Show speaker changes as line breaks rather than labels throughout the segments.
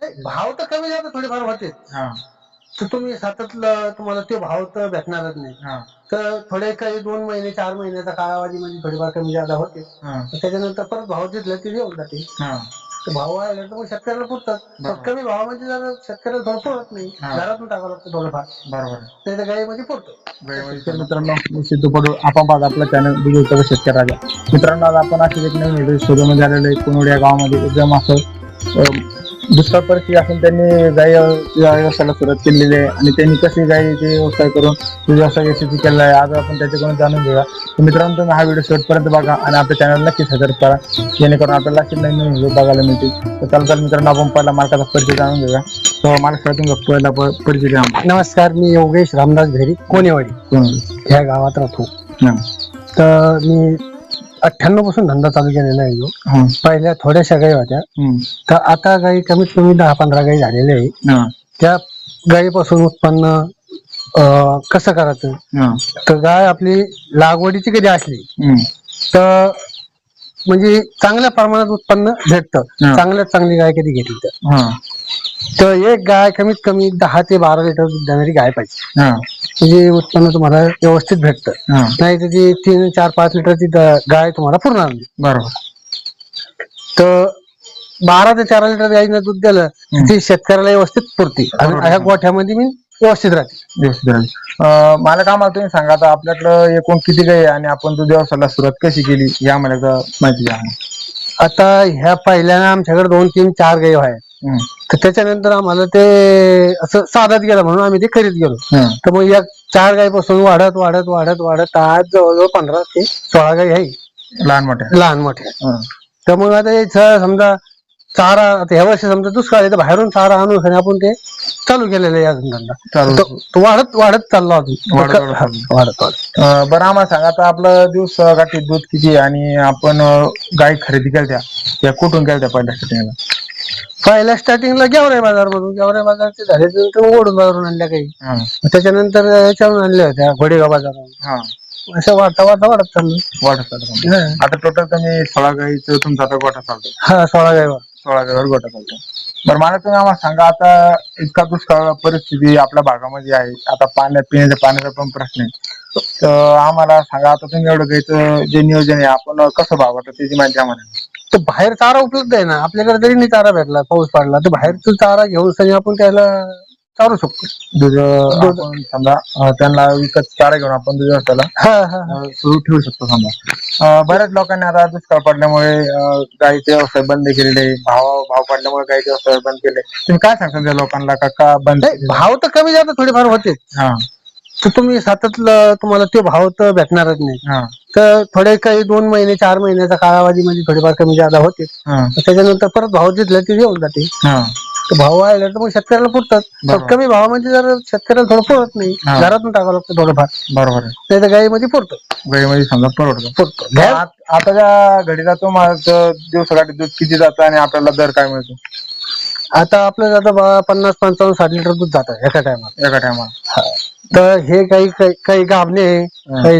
भाव तर कमी जास्त थोडेफार होते. तर तुम्ही सतत तुम्हाला ते भाव तर भेटणारच नाही. तर थोडे काही 2 महिने 4 महिन्याचा कालावधीमध्ये थोडेफार कमी जादा होते. त्याच्यानंतर परत भाव जिथले ते येऊन जाते. तर भाव वाढले तर मग शेतकऱ्याला पुरतात. पण कमी भावामध्ये जर शेतकऱ्याला थोडं पुरत नाही, घरातून टाकावं लागतं थोडंफार. बरोबर. नाही तर गाईमध्ये पुरतो.
मित्रांनो, मी सिद्धू पडू. आपण पाहत आपलं चॅनल बिजू शेतकरी राजा. मित्रांनो, आज आपण अशी एक नवीन व्हिडिओ शोधून झालेलं आहे. कोणवड या गावामध्ये एकदम असं दुष्काळ परिस्थिती असून त्यांनी गाई व्यवसायाला सुरुवात केलेली आहे आणि त्यांनी कशी गाईचे व्यवसाय करून व्यवसाय यशस्वी केला आहे, आज आपण त्याच्याकडून जाणून घेऊया. तर मित्रांनो, तुम्ही हा व्हिडिओ शेवटपर्यंत बघा आणि आपल्या चॅनलला नक्कीच सबस्क्राईब करा, जेणेकरून आपल्याला अशी नवीन नवीन व्हिडिओ बघायला मिळतील. तर चला मित्रांनो, आपण पहिला मालकाचा परिचय जाणून घेऊया. तर मालकातून पहिला परिचय द्या.
नमस्कार, मी योगेश रामदास भेरी, कोणेवाडी ह्या गावात राहतो. तर मी 98 पासून धंदा चालू केलेला आहे. पहिल्या थोड्याशा गाई होत्या, तर आता गाई कमीत कमी 10-15 गाई झालेल्या आहे. त्या गाईपासून उत्पन्न कसं करायचं, तर गाय आपली लागवडीची कधी असली तर म्हणजे चांगल्या प्रमाणात उत्पन्न भेटतं. चांगल्यात चांगली गाय कधी घेतली तर एक गाय कमीत कमी 10 ते 12 लिटर दूध देणारी गाय पाहिजे, म्हणजे उत्पन्न तुम्हाला व्यवस्थित भेटतं. नाही तर ती 3-4-5 लिटरची गाय तुम्हाला पुरणार नाही. बरोबर. तर 12 ते 14 लिटर गाईनं दूध दिलं ती शेतकऱ्याला व्यवस्थित पुरते आणि ह्या गोठ्यामध्ये मी व्यवस्थित राहते.
मला काय मला तुम्ही सांगा, आता आपल्याकडं एकूण किती गाई आहे आणि आपण दूध व्यवसायाला सुरुवात कशी केली या मला माहिती द्या.
आता ह्या पहिल्यानं आमच्याकडे 2-3-4 गाई आहेत. तर त्याच्यानंतर आम्हाला ते असं साधत गेलं म्हणून आम्ही ते करीत गेलो. तर मग या 4 गाईपासून वाढत वाढत वाढत वाढत आज जवळजवळ 15 ते 16 गाई आहे, लहान मोठ्या. तर मग आता याचा समजा चारा, आता ह्या वर्षी समजा दुष्काळ आहे तर बाहेरून चारा आणून आपण ते चालू केलेलं आहे. अजून धंदा तो वाढत वाढत चालला अजून वाढत.
बरं, आम्हाला सांगा, आता आपलं दिवस गाठी दूध किती आणि आपण गाय खरेदी केल्या त्या कुठून केल्या
पहिल्या स्टार्टिंगला गेवराई बाजारमधून, गेवराई बाजारचे झाले तर ओढून बाजारून आणल्या काही. त्याच्यानंतर याच्यावरून आणल्या होत्या घोडेगाव बाजारावरून. असं वाढता वाढता वाढत चाललं.
आता टोटल तुम्ही 16 गाईचं तुमचा आता गोठा चालतो.
16 गाईवर
गोठा चालतो. बरं, मला तुम्ही आम्हाला सांगा, आता इतका दुष्काळ परिस्थिती आपल्या भागामध्ये आहे, आता पिण्याच्या पाण्याचा पण प्रश्न आहे, तर आम्हाला सांगा, आता तुम्ही एवढं गाईचं जे नियोजन आहे आपण कसं भागवतं त्याची माहिती आम्हाला.
तर बाहेर चारा उपलब्ध आहे ना आपल्याकडे, जरी नाही चारा भेटला, पाऊस पडला तर बाहेरचा चारा घेऊन सगळी आपण त्याला चालू शकतो.
दूध समजा त्यांना विकत चारा घेऊन आपण दूध व्यवसायाला सुरू ठेवू शकतो. समजा बऱ्याच लोकांनी आता दुष्काळ पडल्यामुळे गाईचे व्यवसाय बंद केलेले, भाव पडल्यामुळे गाईचे व्यवसाय बंद केले. तुम्ही काय सांगता त्या लोकांना, का बंद?
भाव तर कमी जास्त थोडेफार होते. तर तुम्ही सतत तुम्हाला ते भाव तर भेटणारच नाही. तर थोडे काही 2 महिने 4 महिन्याचा कालावधीमध्ये थोडेफार कमी जादा होते. त्याच्यानंतर परत भाव जिथले ते येऊन जाते. तर भाव वाढले तर मग शेतकऱ्याला पुरतात. कमी भावामध्ये जर शेतकऱ्याला थोडं पुरत नाही, घरातून टाकावं लागतं थोडंफार. बरोबर. नाही तर गाईमध्ये पुरतो.
गाईमध्ये समजा पुरतो. आता त्या घडीला तुम्हाला दिवसाकाठी दूध किती जातं आणि आपल्याला दर काय मिळतो?
आता आपलं जातं 50, 55, 60 लिटर दूध जातं एका टायमाला. तर हे काही गाभणे, काही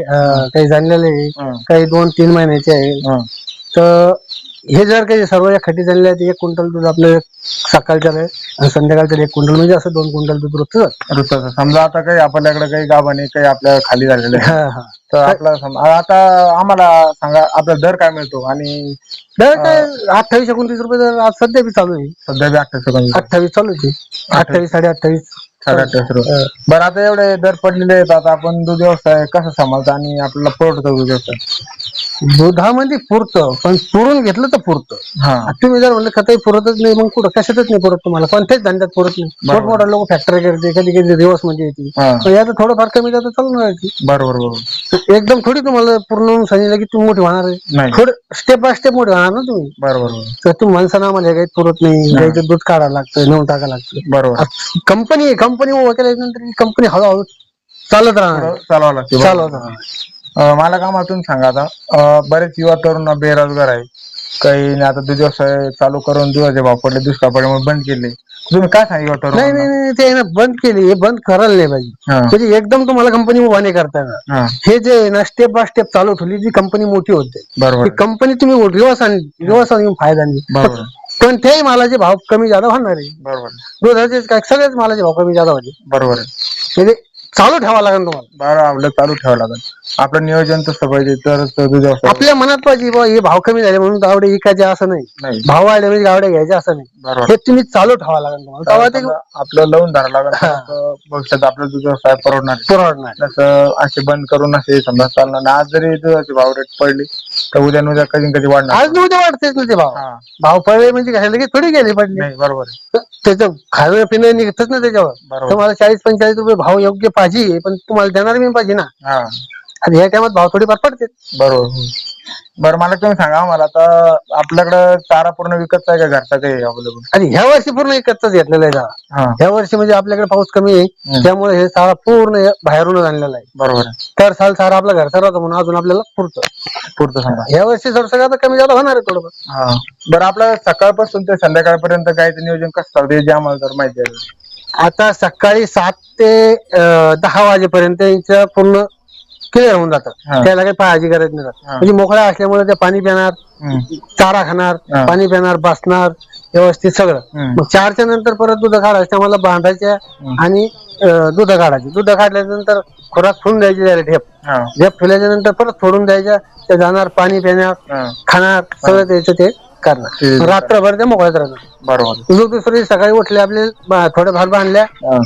जाणलेले, काही 2-3 महिन्याचे आहे. तर हे जर काही सर्व एखादी जाणले तर 1 क्विंटल दूध आपलं सकाळच्या आणि संध्याकाळच्या 1 क्विंटल, म्हणजे असं 2 क्विंटल दूध रोजचं.
समजा आता काही आपल्याकडे काही गाभणे काही आपल्या खाली झालेले तर आपला आता आम्हाला सांगा, आपला दर काय मिळतो? आणि
दर काय 28-29 रुपये दर आज सध्या बी चालू आहे.
सध्या बी
28 चालू आहे. 28,
28 रुपये. बरं, आता एवढे दर पडलेले आहेत, आता आपण दूध व्यवसाय कसं सांभाळतो आणि आपल्याला परवडतं दूध व्यवसाय?
दुधामध्ये पुरतं, पण पुरून घेतलं तर पुरतं. तुम्ही जर म्हणलं खतही पुरतच नाही, मग कुठं कशातच नाही पुरत तुम्हाला, कोणत्याच धंद्यात पुरत नाही. मोठमोठा लोक फॅक्टरी करते, कधी कधी दिवस मध्ये येते, याचं थोडंफार कमी जातं चालून राहायची. बरोबर. एकदम थोडी तुम्हाला पूर्ण सांगितलं की तुम्ही मोठी होणार आहे, थोडं स्टेप बाय स्टेप मोठे होणार ना तुम्ही. बरोबर. तर तुम्ही माणसांना आम्हाला काही पुरत नाही, गाईचं दूध काढायला लागतं, नेऊन टाकायला लागतं. बरोबर. कंपनी उभं केल्यानंतर कंपनी हळूहळू चालत राहणार, चालवत राहणार.
मला का तुम्ही सांगा, आता बरेच युवा तरुण बेरोजगार आहे, काही आता दूध व्यवसाय चालू करून दुधाचे भाव पडले, दुष्काळ पडल्यामुळे बंद केले. तुम्ही काय सांगितलं?
नाही, ते ना बंद केली, हे बंद करायला नाही पाहिजे. म्हणजे एकदम तुम्हाला कंपनी उभा नाही करता येणार. हे जे ना स्टेप बाय स्टेप चालू ठेवली, जी कंपनी मोठी होते. बरोबर. कंपनी तुम्ही रिवर्स आणून फायदा नाही. कोणत्याही मालाचे भाव कमी जादा होणार आहे.
बरोबर
दुधाचे काय सगळेच मालाचे भाव कमी जादा होते.
बरोबर आहे.
म्हणजे चालू ठेवावं लागेल तुम्हाला.
बरं आपलं चालू ठेवावं लागेल. आपलं नियोजन तसं पाहिजे तरच दूध व्यवसाय.
आपल्या मनात पाहिजे बुवा हे भाव कमी झाले म्हणून गावडे विकायचे असं नाही. भाव वाढले म्हणजे गावडे घ्यायचे असं नाही.
बरोबर
हे तुम्ही चालू ठेवावं लागेल तुम्हाला. तेव्हा ते
आपलं लावून धरावं लागेल. भविष्यात आपलं दूध व्यवसाय परवडणार. तसं असे बंद करून असे समजा चालणार नाही. आज जरी दुधाचे भाव रेट पडले तर उद्या कधी वाढणार.
आज उद्या वाढतेच ना ते भाव. भाव पडले म्हणजे काय लगेच थोडी गेले पडले.
नाही बरोबर
त्याचं खाणं पिणं निघतच ना त्याच्यावर. तुम्हाला 40-45 रुपये भाव योग्य पाहिजे पण तुम्हाला देणार मी पाहिजे ना. आणि ह्या टायमात भाव थोडीफार पडते.
बरोबर. बरं मला तुम्ही सांगा मला आता आपल्याकडे चारा पूर्ण विकतचा आहे का घरचा काही अवेलेबल?
आणि ह्या वर्षी पूर्ण विकतच घेतलेला आहे चारा. ह्या वर्षी म्हणजे आपल्याकडे पाऊस कमी आहे त्यामुळे हे चारा पूर्ण बाहेरून आणलेला आहे. बरोबर. तर साल चारा आपला घरचा राहतो म्हणून अजून आपल्याला पुरतं समजा. ह्या वर्षी जर सगळं कमी जादा होणार आहे थोडं.
बरं आपलं सकाळपासून ते संध्याकाळपर्यंत गायचं नियोजन कसं चालतं जे आम्हाला जर माहिती आहे.
आता सकाळी 7 ते 10 वाजेपर्यंत यांचं पूर्ण क्लिअर होऊन जातं. त्याला काही काळजी गरज नाही. म्हणजे मोकळा असल्यामुळे ते पाणी पिणार, चारा खाणार, पाणी पिणार, बसणार व्यवस्थित सगळं. मग 4च्या नंतर परत दूध काढायचं मला बांधायच्या आणि दूध काढायची. दूध काढल्यानंतर खोराक ठेवून द्यायची त्याला ढेप ठेवल्याच्या नंतर परत सोडून द्यायच्या. ते जाणार पाणी पिणार खाणार सगळं त्याचं ते करणार. रात्रभर ते मोकळ्यात राहणार. बरोबर. दुसरी सकाळी उठले आपले थोड्या फार बांधल्या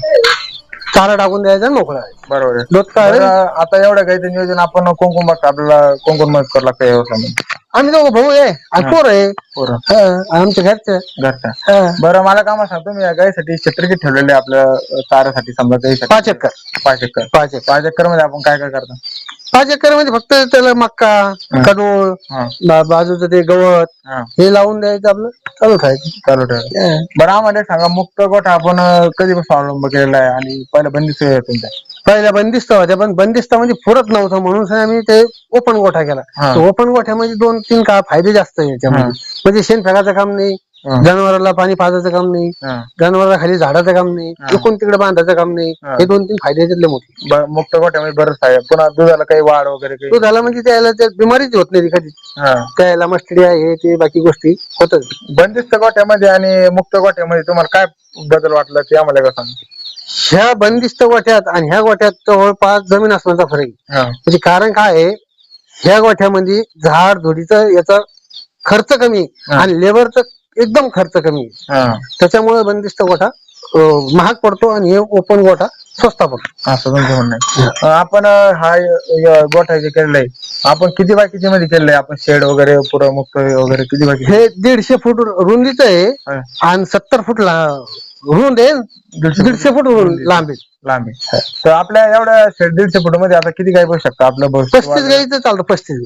चारा टाकून द्यायचा मोकळा. बरोबर. दूध काढ.
आता एवढं काही नियोजन आपण कोण बघतो आपल्याला कोण मदत करावं लागतं व्यवसायामध्ये?
आम्ही दोघं भाऊ आहे आणि पोर आहे आमच्या घरच्या.
बरं मला काम सांगतो मी या गायसाठी क्षेत्र किती ठेवलेले आपल्या चाऱ्यासाठी समजा काही
5 एकर.
5 एकर मध्ये आपण काय करतो?
5 एकर मध्ये फक्त त्याला मक्का कडूळ बाजूचं ते गवत हे लावून द्यायचं आपलं चालू ठेवायचं.
बरं आम्हाला सांगा मुक्त गोठा आपण कधीपासून अवलंब केलेला आहे आणि पहिला बंदिस्त तुमच्या?
पहिल्या बंदिस्त होत्या पण बंदिस्त म्हणजे पुरत नव्हतं म्हणून आम्ही ते ओपन गोठा केला. ओपन गोठ्यामध्ये 2-3 फायदे जास्त आहे याच्यामध्ये. म्हणजे शेण फेकायचं काम नाही, जनावराला पाणी पाजायचं काम नाही, जनावराला खाली झाडाचं काम नाही, इकडून तिकडे बांधायचं काम नाही. हे 2-3 फायदे त्यातले मोठे.
मुक्त गोठ्यामध्ये बरंच आहे. पुन्हा दुधाला काही वाढ वगैरे
दुधाला म्हणजे त्याला बिमारीच होत नाही कधी. त्याला मस्टडी आहे ते बाकी गोष्टी होतात.
बंदिस्त गोठ्यामध्ये आणि मुक्त गोठ्यामध्ये तुम्हाला काय बदल वाटला ते आम्हाला का सांगा?
ह्या बंदिस्त गोठ्यात आणि ह्या गोठ्यात जवळपास जमीन आसमानाचा फरक आहे. म्हणजे कारण काय आहे ह्या गोठ्यामध्ये झाड झुडीचा याचा खर्च कमी आणि लेबरचा एकदम खर्च कमी आहे. त्याच्यामुळे बंदिस्त गोठा महाग पडतो आणि हे ओपन गोठा स्वस्त पडतो
असं तुमचं म्हणणं आहे. आपण हा गोठा जे केलेला आहे आपण किती बाय किती मध्ये केलेलं आहे? आपण शेड वगैरे पुरं मुक्त वगैरे किती बाय?
हे 150 फूट रुंदीचं आहे आणि 70 फूट रुंद आहे, 150 फूट लांबी.
तर आपल्या एवढ्या 150 फूट मध्ये आता किती गाय बसू शकतात? आपलं
35 गायचं चालतं.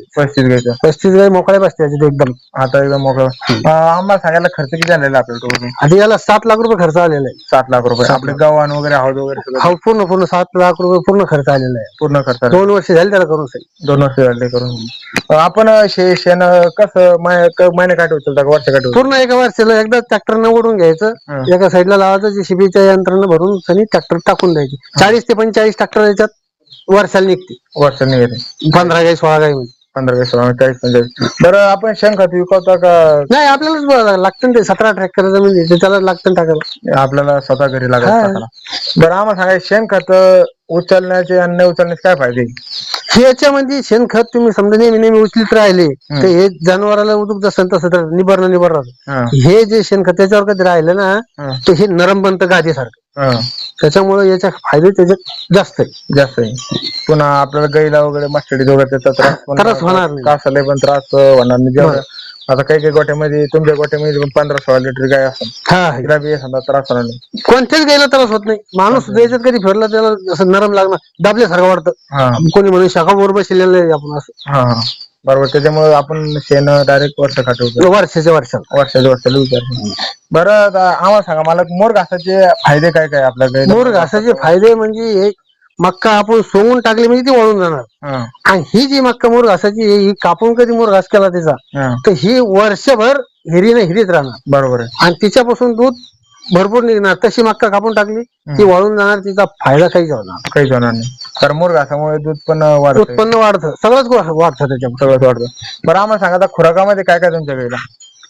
35 गाय मोकळ्या बसते एकदम.
आता एकदम मोकळं. आम्हाला सांगायला खर्च किती आलेला आपल्याला?
आधी याला 7 लाख रुपये खर्च आलेला आहे.
7 लाख रुपये. आपले गव्हाण वगैरे हौद वगैरे
पूर्ण 7 लाख रुपये पूर्ण खर्च आलेला आहे.
पूर्ण खर्च
2 वर्ष झाले त्याला करून.
2 वर्ष झाले करून. आपण शेण कसं महिने काढू का वर्ष काढू?
पूर्ण एका वर्षाला एकदा ट्रॅक्टरनं ओढून घ्यायचं, एका साईडला लावायचं, जेसीबीच्या यंत्रानं भरून सनी ट्रॅक्टर टाकून द्यायची. 40 ते 45 ट्रॅक्टर याच्यात वर्षाला निघते. 15 गाई 16 गाई म्हणजे
15 ते 16 40 45. बरं आपण शेणखत विकवता का?
नाही आपल्यालाच लागतं ते. 17 ट्रॅक्टर जमीन त्याला लागतं टाकायला.
आपल्याला स्वतः घरी लागत. बरं आम्हाला सांगा शेणखत उचलण्याचे आणि न उचलण्याचे काय फायदे?
याच्यामध्ये शेणखत तुम्ही समजा नेहमी उचलीत राहिले तर हे जनावराला उदूक जसं तसं तर निबर राहतं. हे जे शेणखत त्याच्यावर कधी राहिलं ना तर हे नरम बनतं गादीसारखं. त्याच्यामुळे याचे फायदे त्याच्यात जास्त आहे.
पुन्हा आपल्याला गाईला वगैरे मस्टडी वगैरे
त्रास होणार नाही.
कासाला पण त्रास होणार नाही. आता काही गोठ्यामध्ये तुमच्या गोठ्यामध्ये 15-16 लिटर गाय असतात. त्रास होणार नाही.
कोणत्याच गायला त्रास होत नाही. माणूस याच्यात कधी फिरला त्याला असं नरम लागणार दाबल्यासारखं वाटतं. कोणी म्हणून शाखा बरोबर शिरलेलं आहे आपण असं.
बरोबर. त्याच्यामुळे आपण शेण डायरेक्ट वर्ष खाठवतो.
वर्षाच्या वर्षाला
विचार. बरं आम्हाला सांगा मला मोर घासाचे फायदे काय काय आपल्याकडे?
मोर घासाचे फायदे म्हणजे मक्का आपण सोंगून टाकली म्हणजे ती वाळून जाणार. आणि ही जी मक्का मोर घासाची ही कापून कधी मोर घास केला त्याचा तर ही वर्षभर हिरीत राहणार. बरोबर आहे. आणि तिच्यापासून दूध भरपूर निघणार. तशी मक्का कापून टाकली ती वाळून जाणार. तिचा फायदा काहीच होणार
नाही. तर मोर घासामुळे दूध पण
उत्पन्न वाढतं. सगळंच वाढतं त्याच्यामुळे.
सगळंच वाढतं. बरं आम्हाला सांगा खुराकामध्ये काय काय तुमच्या गाईला?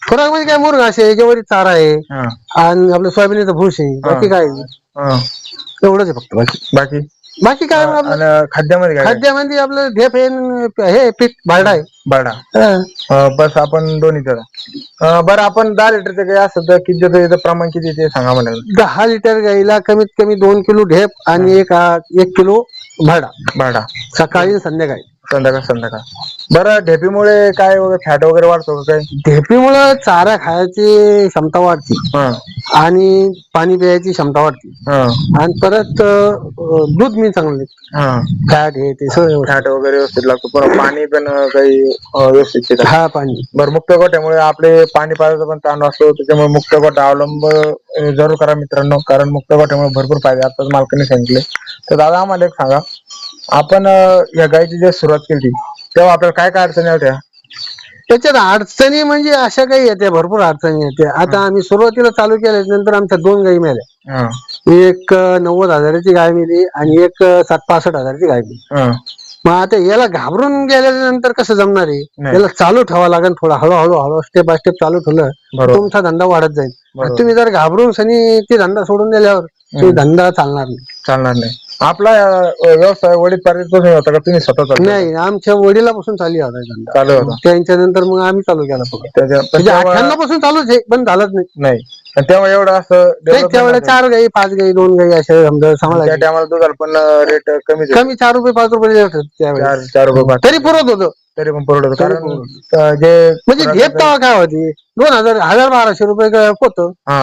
खुराक म्हणजे काय मुरघास आहे, ज्वारी चारा आहे आणि आपलं सोयाबीनचं भूस आहे, बाकी काय एवढंच आहे फक्त.
बाकी
बाकी काय आपलं
आणि खाद्यामध्ये काय
खाद्यामध्ये आपलं ढेप आहे, हे पीठ भाडा आहे.
बाडा बस आपण दोन्ही करा. बरं आपण 10 लिटरचं काही असं तर किती त्याचं प्रमाण किती ते सांगा मला.
10 लिटर गाईला कमीत कमी 2 किलो ढेप आणि 1 किलो भाडा सकाळी संध्याकाळी.
संध्याकाळ. बरं ढेपीमुळे काय फॅट वगैरे वाढतो का? काय
ढेपीमुळे चारा खायची क्षमता वाढते आणि पाणी प्यायची क्षमता वाढते आणि परत दूध मी चांगलं फॅट हे ते सगळं
फॅट वगैरे व्यवस्थित लागतो, पण पाणी पण काही व्यवस्थित.
हा पाणी.
बरं मुक्त गोठ्यामुळे आपले पाणी पाण्याचा पण ताण असतो, त्याच्यामुळे मुक्त गोठा अवलंब जरूर करा मित्रांनो, कारण मुक्त गोठ्यामुळे भरपूर फायदे आताच मालकाने सांगितले. तर दादा आम्हाला एक सांगा, आपण या गायची जेव्हा सुरुवात केली तेव्हा आपल्याला काय काय अडचणी होत्या?
त्याच्यात अडचणी म्हणजे अशा काही येत्या, भरपूर अडचणी येत्या. आता आम्ही सुरुवातीला चालू केल्यानंतर आमच्या 2 गायी मेल्या, एक 90,000ची गाय मिली आणि एक 65,000ची गाय मिली. मग आता याला घाबरून गेल्यानंतर कसं जमणार आहे, याला चालू ठेवावं लागेल, थोडा हळूहळू स्टेप बाय स्टेप चालू ठेवलं तुमचा धंदा वाढत जाईल. तुम्ही जर घाबरून सनी ते धंदा सोडून दिल्यावर तो धंदा चालणार नाही.
आपला व्यवसाय वडीलपासून होता का तुम्ही स्वतः?
नाही, आमच्या वडिलापासून चालू होता, त्यांच्या नंतर मग आम्ही चालू केला. 98 पासून चालूच आहे, पण झालंच नाही.
तेव्हा एवढं असं
त्यावेळेला 4 गाई 5 गाई 2 गाई असे सांभाळायचे.
टायमाला दुधाला पण रेट कमी
4 रुपये 5 रुपये रेट त्यावेळेस.
4 रुपये
तरी पुरत होतं,
तरी पण परवडत, कारण जे
म्हणजे ढेप तेव्हा काय होती 1,000-1,200 रुपये पोत.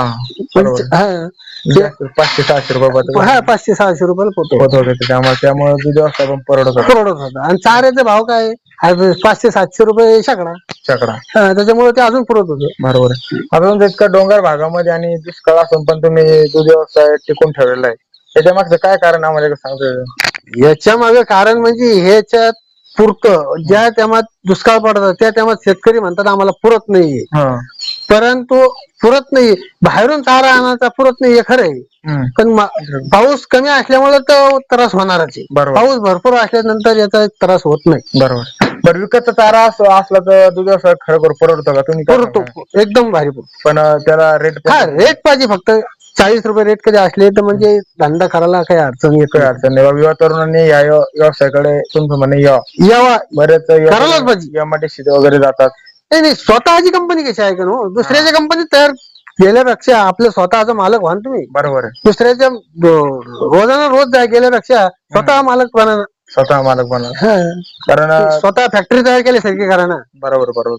500-600 रुपये.
500-600 रुपयाला पोत
होतं, त्यामुळे दूध व्यवस्था पण परवडत
होतं. आणि चाऱ्याचा भाव काय 500-700 रुपये शेकडा. त्याच्यामुळे ते अजून पुरत होतं.
बरोबर. अजून इतका डोंगर भागामध्ये आणि दुष्काळ असून पण तुम्ही दूध व्यवसाय टिकून ठेवलेला आहे, त्याच्या मागचं काय कारण आम्हाला सांगतो?
याच्या मागे कारण म्हणजे ह्याच्यात पुरतं, ज्या टायमात दुष्काळ पडतात त्या टायमात शेतकरी म्हणतात आम्हाला पुरत नाहीये, परंतु पुरत नाही, बाहेरून चारा आणायचा पुरत नाही हे खरं आहे, पण पाऊस कमी असल्यामुळे तर त्रास होणारच आहे. पाऊस भरपूर असल्यानंतर याचा त्रास होत नाही.
बरं विकतचा चारा असला तर दूध व्यवसाय खरोखर परवडतो का? तुम्ही
परवडतो, एकदम भारी. पण
त्याला रेट
पाहिजे, फक्त 40 रुपये रेट कधी असले तर म्हणजे धंदा करायला काही अडचण
नाही. युवा तरुणांनी या व्यवसायाकडे तुमचं म्हणे यावा. बरेच
करायलाच पाहिजे.
एमआयडीसी वगैरे जातात.
नाही, स्वतःची कंपनी कशी आहे का दुसऱ्याच्या कंपनी तयार गेल्यापेक्षा आपलं स्वतःचा मालक व्हा तुम्ही.
बरोबर.
दुसऱ्याच्या रोजाना रोज गेल्यापेक्षा स्वतः मालक बना, कारण स्वतः फॅक्टरी तयार केल्यासारखी करा ना.
बरोबर.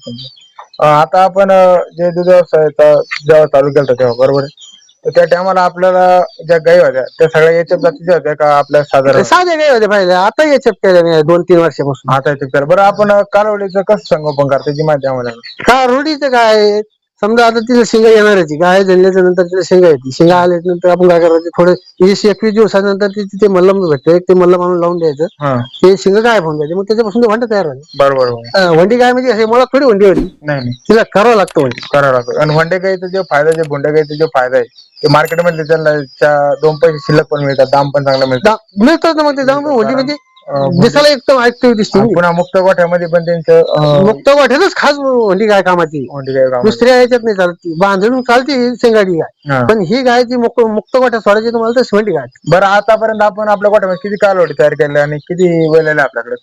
आता आपण जे दूध व्यवसायाचा जेव्हा चालू केला तेव्हा बरोबर, त्या टायमाला आपल्याला ज्या गायी होत्या त्या सगळ्या याच्यात जातीच्या होत्या का आपल्या
साध्या गायी होत्या पहिले? आता याच्यात केल्या 2-3 वर्षापासून.
आता याच्यात बरं आपण कालवडीचं कसं संगोपन करतो त्याची माहिती आम्हाला.
कालवडीचं काय, समजा आता तिला शिंगा येणारची गाय जणल्याच्या नंतर तिला शिंगा येते, शिंगा आल्यानंतर आपण काय करायचं, थोडं 20-21 दिवसानंतर ते मल्लम भेटतं, ते मल्लम आणून लावून द्यायचं, ते शिंग काय होऊन जायचे, मग त्याच्यापासून ते वंड तयार झाले.
बरोबर.
वंडी काय म्हणजे असे मुळात थोडी वंडी होती, नाही तिला करावं लागतं.
आणि वंडे गाईचा जो फायदा, जे भोंड्या गाईचा जो फायदा आहे ते मार्केटमध्ये त्यांना 2 पैसे शिल्लक पण मिळतात, दाम पण चांगला
मिळतात ना. मग ते जाऊन वंडी म्हणजे दिसायला एकदम ऍक्टिव्ह दिसते.
पुन्हा मुक्त गोठ्यामध्ये पण त्यांचं
मुक्त गोठ्यातच खास वंडी गाय कामाची, दुसऱ्या याच्यात नाही चालती. बांधून चालती शेंगाडी गाय, पण ही गाय जी मुक्त गोठ्यात सोडायची तुम्हाला तर शिवंडी गाय.
बरं आतापर्यंत आपण आपल्या गोठ्यामध्ये किती कालवडी तयार केल्या आणि किती वेळेला आपल्याकडे?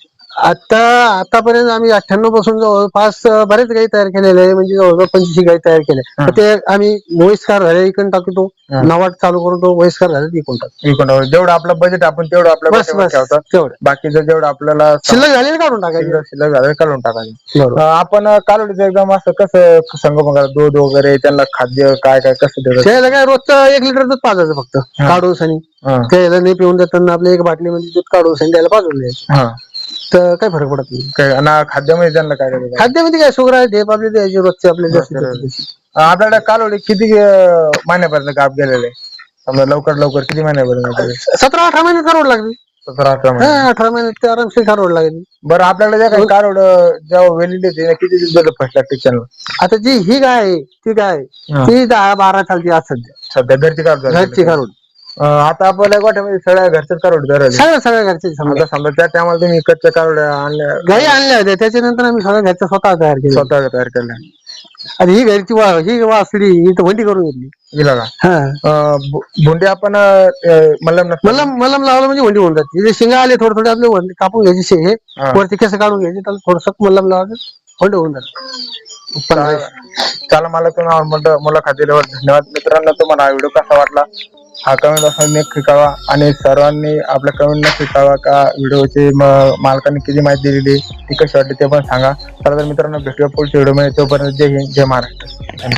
आतापर्यंत आम्ही 98 पासून जवळपास बरेच गाई तयार केलेले आहे, म्हणजे जवळजवळ 25 गाई तयार केल्या. ते आम्ही वयस्कार झाले इकडून टाकतो, नवाट चालू करतो, वयस्कार झाले इकडून टाकतो.
जेवढं आपलं बजेट आपण तेवढं आपल्या तेवढं, बाकीचं जेवढं आपल्याला
शिल्लक झालेलं काढून टाकायचं.
शिल्लक झालेलं काढून टाकायचं. आपण कालवडीचं एकदम असं कसं संगोपन करायचं, दूध वगैरे त्यांना खाद्य काय काय कसं द्यायचं?
काय रोजचं 1 लिटर दूध पाजायचं फक्त काढून सनी, त्याला नाही पिऊन देताना आपल्या 1 बाटलीमध्ये दूध काढून सनी त्याला पाजून द्यायचं, तर काय फरक पडत नाही.
खाद्यामध्ये त्यांना काय करायचं?
खाद्यामध्ये काय शुगर आहे, ढेप आपली द्यायची रोजचे आपले.
आपल्याकडे कालवडी किती महिन्यापर्यंत गाप गेलेले? लवकर किती महिन्यापर्यंत?
17-18 महिने कारोड लागली. 18 महिने ते आरामशीर कारोड लागली.
बरं आपल्याकडे ज्या काही कारोड जेव्हा वेलिडिटी किती दिवस फर्स्ट लागते?
आता जी ही गाय आहे ती गाय ती 10-12 चालते आज सध्या घरची कारोड.
आता आपल्या गोठ्यामध्ये सगळ्या घरच्याच कारोड
सगळ्या घरचे.
समजा त्या टायमाला तुम्ही कच्च्या कारोड्या आणल्या,
गाई आणल्या होत्या, त्याच्यानंतर आम्ही सगळ्या घरच्या स्वतः तयार केल्या. आणि ही घरची ही वासडी ही तर वंडी करून घेतली.
गेला का
हा
भोंडे आपण मलम
मलम मलम लावलं म्हणजे वंडी होऊन जाते. शिंगा आले थोडे थोडे आपले वंडी कापून घ्यायचे हे वरती केस काढून घ्यायचे, त्याला थोडस मलम लावायचं वंडी होऊन जाते.
चला मला तुम्ही मुलाखत दिल्यावर धन्यवाद. मित्रांनो, तुम्हाला व्हिडिओ कसा वाटला हा कमेंट बॉक्समध्ये शिकावा आणि सर्वांनी आपल्या कमेंट शिकावा का व्हिडिओची मालकांनी किती माहिती दिलेली ती कशी वाटली ते पण सांगा. चला तर मित्रांनो, भेटूया पुढच्या व्हिडिओ मध्ये. तोपर्यंत जय हिंद, जय महाराष्ट्र.